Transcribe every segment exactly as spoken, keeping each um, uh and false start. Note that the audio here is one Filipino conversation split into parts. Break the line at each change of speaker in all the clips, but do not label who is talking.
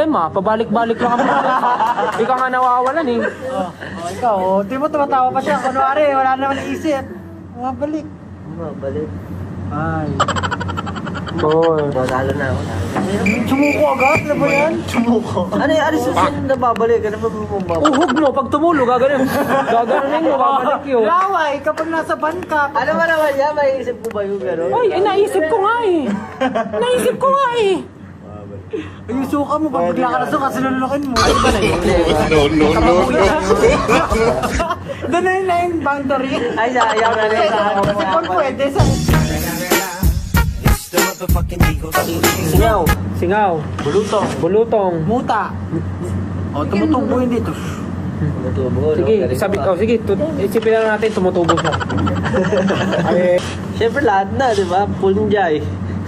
problema, pabalik-balik lang kami. Ikaw nga nawawalan eh.
Oh, oh, ikaw, oh, di mo tumatawa pa siya. Kunwari, wala naman isip. Mabalik.
Mabalik.
Ay.
Boy.
Talo na ako.
Sumuko agad? Ano ba yan?
Sumuko. Ano yung ano susunod na babalik? Ano ba bumabalik?
Uhog mo, pag tumulo, gaganin. Gaganin mo, babalik yun.
Laway, kapag nasa ban ka.
Ano ba naman yan? May isip ko ba yung gano'n?
Ay, eh, naisip ko nga eh. Naisip ko nga eh.
Ay, yung suka mo, pag bigla ka na suka, sinulukin mo.
Ay, ba na yun?
No, no, no.
Doon na yun na yung boundary.
Ay, sayang na rin sa ano.
Kasi kung pwede sa...
Singaw. Singaw.
Bulutong.
Bulutong.
Muta. O, tumutubo yun dito.
Tumutubo, no?
Sige,
Galing
sabi,
pa.
oh, sige, tut- isipin na natin, tumutubo siya. Ay,
Siyempre lahat na, di ba? Punjay.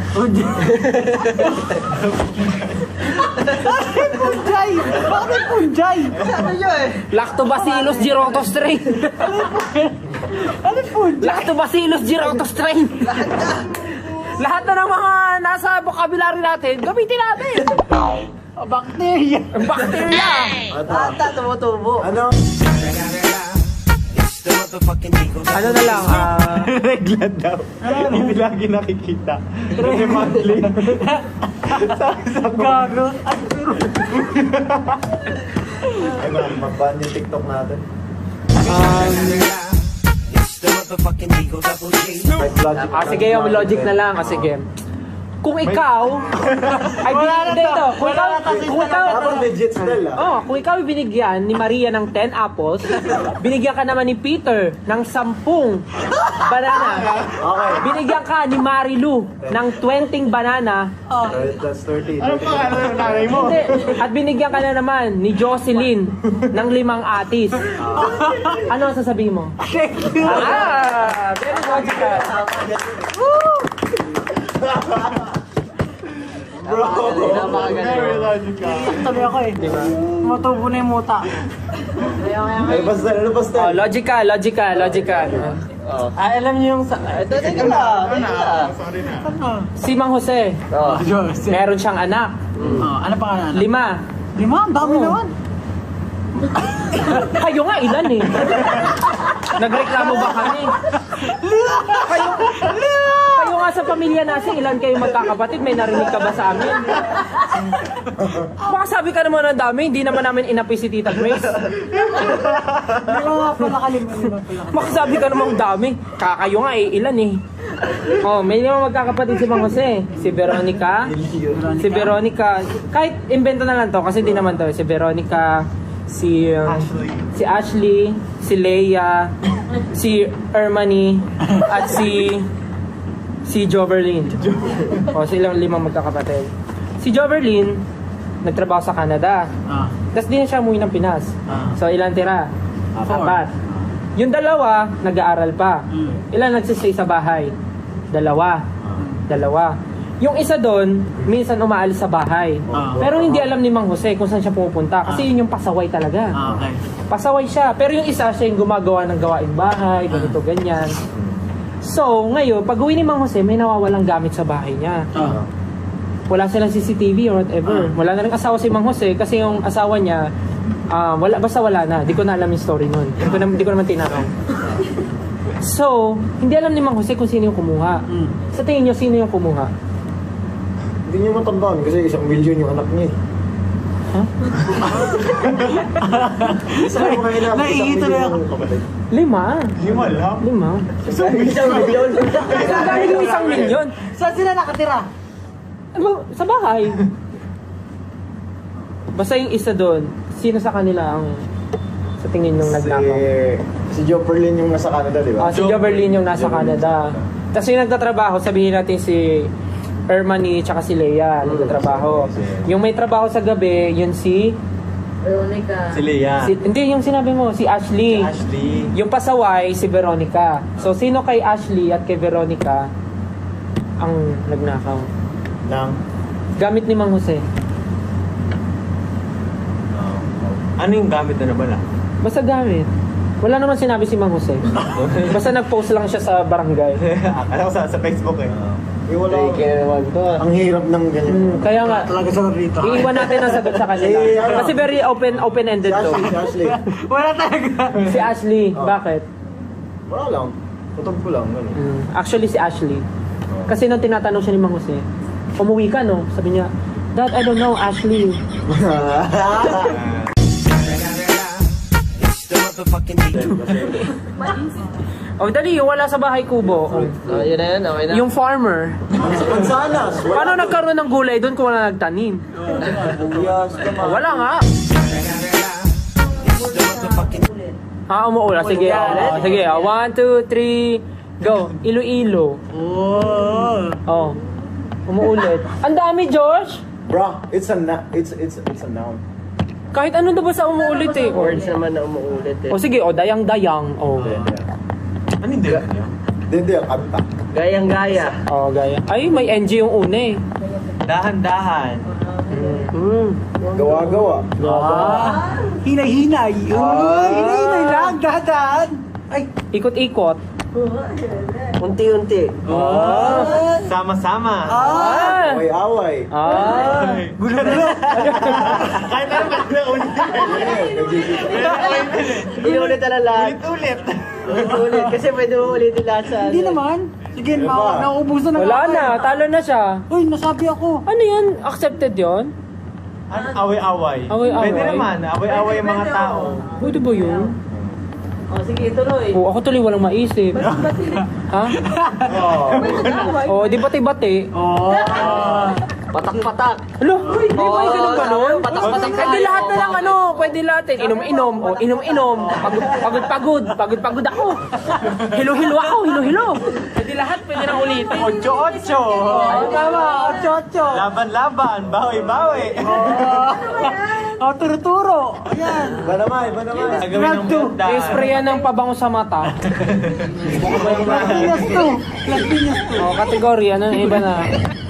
Bakit punjay? Bakit punjay?
Ano yun eh?
Lactobacillus girotostrain.
Ano punjay?
Lactobacillus girotostrain. Lahat na ng mga nasa vocabulary natin, gamitin natin.
O, bacteria.
Ang bacteria.
Ata, tumutubo.
Ano?
Ano na lang, ah...
Regla daw. Hindi lagi nakikita. Kasi monthly.
Gago. Ay, pero...
Ay ma'am, mag-ban yung TikTok natin.
Um,
Like logic.
ah, sige, yung logic na lang. Ah, sige. Kung ikaw, ay
Wala na
binigyan
to.
dito. Kung
Wala
ikaw,
na to.
kung ikaw,
Tapos legit still ah.
oh, kung ikaw binigyan ni Maria ng ten apples, binigyan ka naman ni Peter ng sampung banana.
Okay.
Binigyan ka ni Marilu ng twenty banana.
Oh.
That's thirty.
Ano pa ano yung nanay mo?
Hindi. At binigyan ka na naman ni Jocelyn ng limang atis. Ano ang sasabihin mo?
Thank you.
Ah, very logical.
Bro.
Very logical.
Tuloy ako eh.
Di ba?
Tumutubo na yung muta.
Ay, basta, ano basta?
Oh, logical, logical, logical.
Ah, alam niyo yung sa...
Ito, teka lang. Teka lang.
Sorry na.
Ano?
Si Mang Jose,
Oh.
Diyos.
meron siyang anak.
Oh, ano pa nga?
Lima.
Lima? Ang dami
Oh.
naman.
Kayo nga, ilan eh? Nagreklamo ba kami? Kayo, kayo nga sa pamilya natin, ilan kayo magkakapatid? May narinig ka ba sa amin? Baka sabi ka naman ang dami, hindi naman namin inapi si Tita Grace.
Lima nga pala kalimang lima pala.
Baka sabi ka naman ang dami. Kakayo nga eh, ilan eh? Oh, may lima magkakapatid si Mang Jose. Si Veronica, si Veronica, kahit invento na lang to kasi hindi naman to. Si Veronica, si um,
Ashley.
si Ashley, si Leia, si Ermani, at si si Joverlyn. O, silang limang magkakapatid. Si Joverlyn, nagtrabaho sa Canada.
Ah.
Tapos di na siya umuwi ng Pinas.
Ah.
So, ilan tira?
Four.
Apat. Yung dalawa, nag-aaral pa.
Mm.
Ilan nagsistay sa bahay? Dalawa. Dalawa. Yung isa doon, minsan umaalis sa bahay.
Ah.
Pero hindi alam ni Mang Jose kung saan siya pumupunta. Kasi yun yung pasaway talaga.
Ah, okay.
Pasaway siya. Pero yung isa, siya yung gumagawa ng gawaing bahay, ganito, ganyan. So, ngayon, pag uwi ni Mang Jose, may nawawalang gamit sa bahay niya.
Ah.
Wala silang C C T V or whatever.
Ah.
Wala na rin asawa si Mang Jose kasi yung asawa niya, ah, wala, basta wala na. Di ko na alam yung story nun. Di ko, na, di ko naman tinanong. So, hindi alam ni Mang Jose kung sino yung kumuha.
Mm.
Sa tingin niyo, sino yung kumuha?
Hindi niyo matandaan kasi isang milyon yung anak niya.
Huh?
Isa lang mga ina, isang
Naiito na
milyon
ako.
yung kapatid.
Lima.
Lima lang.
Lima.
Isang milyon.
Dahil yung isang milyon.
Saan sila nakatira?
Ano, sa bahay. Basta yung isa doon, sino sa kanila ang sa tingin nung
Si,
nagnakaw?
si Joe Perlin yung nasa Canada, di ba?
Ah, si Joverlyn yung nasa Canada. Tapos yung nagtatrabaho, sabihin natin si Ermani tsaka si Leia nagtatrabaho. Yung may trabaho sa gabi, yun si...
Veronica.
Si Leia.
si hindi, yung sinabi mo, si Ashley.
Ashley.
Yung pasaway, si Veronica. So, sino kay Ashley at kay Veronica ang nagnakaw?
Nang,
Gamit ni Mang Jose.
Ano yung gamit na nabala?
Basta gamit. Wala naman sinabi si Mang Jose. Basta nag-post lang siya sa barangay.
Akala ko sa, sa Facebook eh.
Eh, wala.
naman to.
Ang hirap ng ganyan.
Hmm, kaya nga,
Talaga sa rito.
iiwan natin ang sagot sa kanila.
Eh, ano?
Kasi very open open-ended
Si
to.
Ashley, si Ashley.
Wala talaga.
Si Ashley, bakit?
Wala lang. Kutob ko lang. Ganun.
Hmm, actually si Ashley. Kasi nung tinatanong siya ni Mang Jose, umuwi ka no? Sabi niya, Dad, I don't know, Ashley. Oh, dali, yung wala sa bahay kubo. Oh.
Oh, yun na yun, okay na.
Yung farmer.
Mansanas.
Paano nagkaroon ng gulay doon kung wala nagtanim?
Buyas ka
Oh, wala nga. Ah, umuula. Sige. Oh, sige. Oh, one, two, three, go. Iloilo. Oh. Umuulit. Ang dami, Josh.
Bro, it's a na- it's it's it's a noun.
Kahit ano na ba sa umuulit eh.
Words naman na umuulit eh.
O sige, o dayang-dayang. O.
Ano hindi?
Hindi, ang kanta.
Gayang-gaya.
O, gaya. Ay, may N G yung una eh.
Dahan-dahan.
Hmm.
Gawa-gawa.
Ah, hinay-hinay. Ah, hinay-hinay lang, dahan. Ay,
Ikot-ikot.
Unti-unti.
Ah.
Sama-sama.
Ah.
Away-away.
Ah.
gulo-gulo.
Kahit ano ba na ulit.
Inulit na lang lahat.
Ulit-ulit.
Ulit. Kasi pwede mo ulitin lahat sa...
Hindi naman. Sige,
Diba?
ma- nauubusan na
Wala
ako.
na. Talo na siya.
Uy, nasabi ako.
Ano yan? Accepted yon?
Ano? Away-away.
Away-away?
Pwede naman. Away-away yung mga tao.
Pwede ba yun?
Oh, sige, tuloy.
O, ako tuloy walang maisip. Ha? O, di bati-bati.
Oo.
Patak-patak.
Alo, di ba yung ganun ba nun?
Patak-patak
Pwede lahat na lang ano, pwede lahat eh. Inom-inom, o inom-inom. Pagod-pagod, pagod-pagod ako. Hilo-hilo ako, hilo-hilo. Pwede lahat, pwede na ulitin.
Ocho-ocho.
Ay, tama. Ocho-ocho.
Laban-laban. Bawi-bawi.
Oh, turo-turo. Ayan.
Ba naman, ba naman.
Gagawin ng
Round two.
meltdown.
I-sprayan ng pabango sa mata.
Las to. Las Piñas to.
O, kategory, ano, iba na.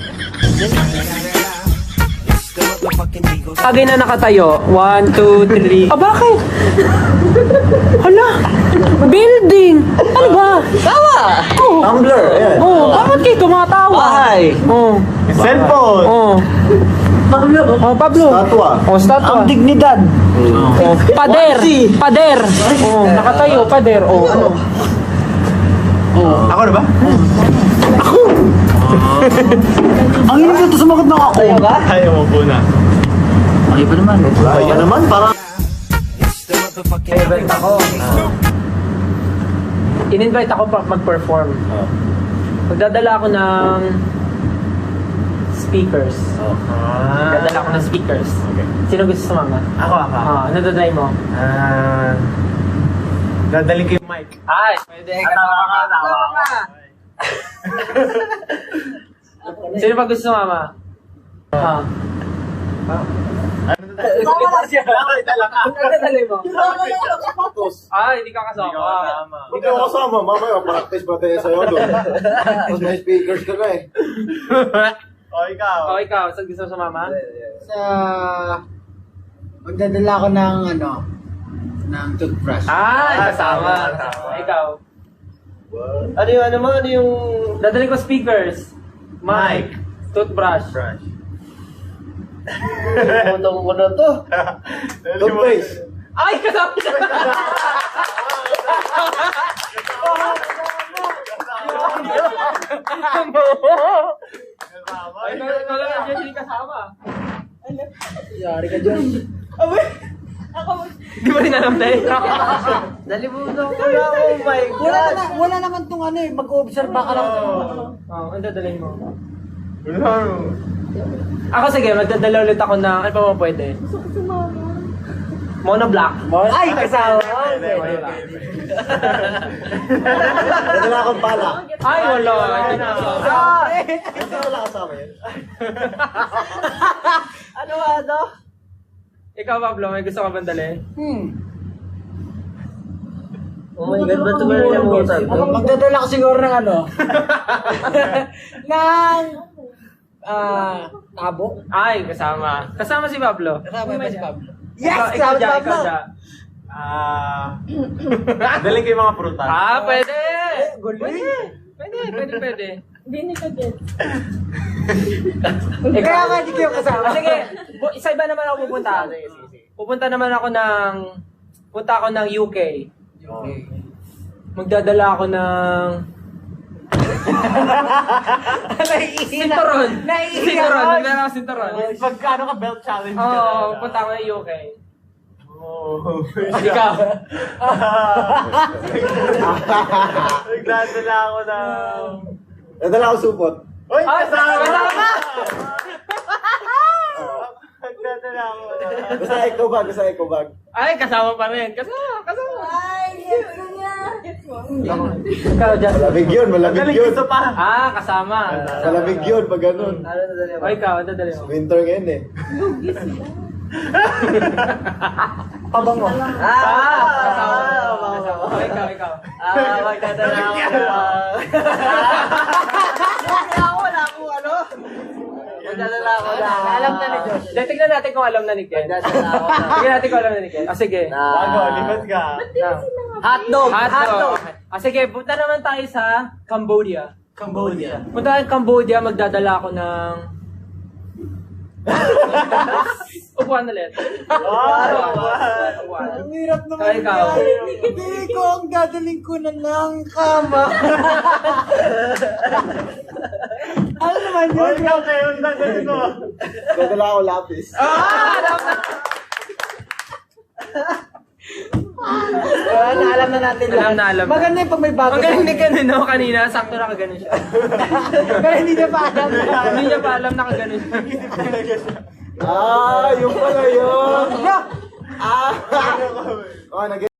Agay na nakatayo. One, two, three. Ah, bakit? Hala! Building! Ano ba?
Tawa!
Oh,
Tumblr, ayan.
oh, bakit kayo tumatawa?
Bahay!
Oh,
Cellphone.
oh. Pablo. Oh, Pablo.
Statwa.
Oh, statwa.
Ang dignidad.
Oh, pader. Pader. Oh, nakatayo, pader. Oh, ano?
Ako na ba?
Ang hirap nito sumagot ng ako.
Ayaw mo po na.
Okay pa naman.
Kaya naman, parang
Invite ako. In-invite ako pa mag-perform. Magdadala ako ng speakers. Magdadala ako ng speakers. Sino gusto sumama?
Ako, ako.
Ah, ano dadalhin mo?
Ah... Dadalhin ko yung mic.
Ay, pwede. Tawa ka, tawa ka. Sino pa gusto sumama? Ah. Ano dadalhin mo?
sapatos.
Ah, hindi ka
Hindi ko
kasama.
kasama.
Hindi ko kasama, mamaya practice pa tayo sa'yo doon. Tapos may speakers ka na eh.
O, ikaw.
O, ikaw, saan gusto mo sumama?
Sa... Magdadala ako ng ano, ng toothbrush.
Ah, kasama. Ikaw.
Ano yung ano mo? Ano yung...
Dadalhin ko speakers, mic, toothbrush.
Brush.
Putong ko na to.
Toothpaste.
Ay, kasama siya! Ay, ikaw lang nandiyan, hindi kasama.
Yari ka dyan.
Di ba rin alam tayo?
Nalimutan ko na. Oh my
Wala
God.
naman, wala naman tong ano eh, mag-observe ka lang.
Oo, ang dadalhin mo.
Wala.
Ako sige, magdadala ulit ako na, ano pa mo pwede? Mono black.
Ay, kasama.
Nadala akong pala.
Ay, wala. Hindi na.
Hindi wala kasama yun.
Ano ano?
Ikaw, Pablo, may gusto ka bang dali?
Hmm.
Oh my God, ba't mo nalimutan to?
Magdadala ko siguro ng ano. ng... Ah, tabo.
Ay, kasama. Kasama si Pablo.
Kasama ba si Pablo?
Ikaw, ikaw dyan, ikaw dyan.
Ah, daling ko yung mga prutas.
Ah, pwede!
Gulo
Pwede!
eh.
Pwede, pwede, pwede.
Hindi ni ka get.
Kaya nga hindi kayo kasama.
Ah, sige, bu- isa iba naman ako pupunta. Pupunta naman ako ng, punta ako ng U K. Magdadala ako ng sinturon. Sinturon, magdadala ako sinturon.
Pagkano ka belt challenge ka
Oo,
na?
punta ako ng U K.
Oh.
Ikaw.
Nagdadala ako ng...
Nadala ko supot.
Uy,
Ah,
kasama!
kasama!
Nagdadala ako ng...
Basta eco bag, basta eco bag.
Ay, kasama pa rin. Kasama, kasama.
Ay, gets ko niya. Gets mo?
Ikaw, Justin.
Malamig yun, malamig
Daling
yun.
gusto pa.
Ah, kasama.
Malamig yun pag ganun.
Ano na dali
O ikaw, ano dali mo?
Winter ngayon eh.
Lugi sila.
Pabango.
Ah, kasama. Kasama. O ikaw, ikaw.
Ah, magdadala ako ng... Wala ako, wala ako, ano? Magdadala ako na...
Alam na ni Josh.
Dahil tignan natin kung alam na ni Ken.
Magdadala ako na...
Tignan natin kung alam na ni Ken. Ah, sige.
Bago, lipat ka.
Hotdog!
Hotdog. Ah, sige, punta naman tayo sa Cambodia.
Cambodia.
Punta tayo sa Cambodia, magdadala ako ng... Upuan ulit.
Wow!
Upuan.
Ang hirap naman
Kaya ikaw.
yan. Hindi ko ang dadaling ko na ng kama. Ano naman
O,
yun?
ikaw kayo, ang dadalhin mo.
Nadala ko lapis.
Ah! Alam na!
Wala na, alam na natin
Alam na, alam na.
Maganda yung pag may bago.
Ang galing ni Ken, no? Kanina, sakto na kaganon siya.
Pero hindi niya pa alam.
Hindi niya pa alam na kaganon siya.
Ah, yung pala yun.
Yeah!
Ah! Oh, nag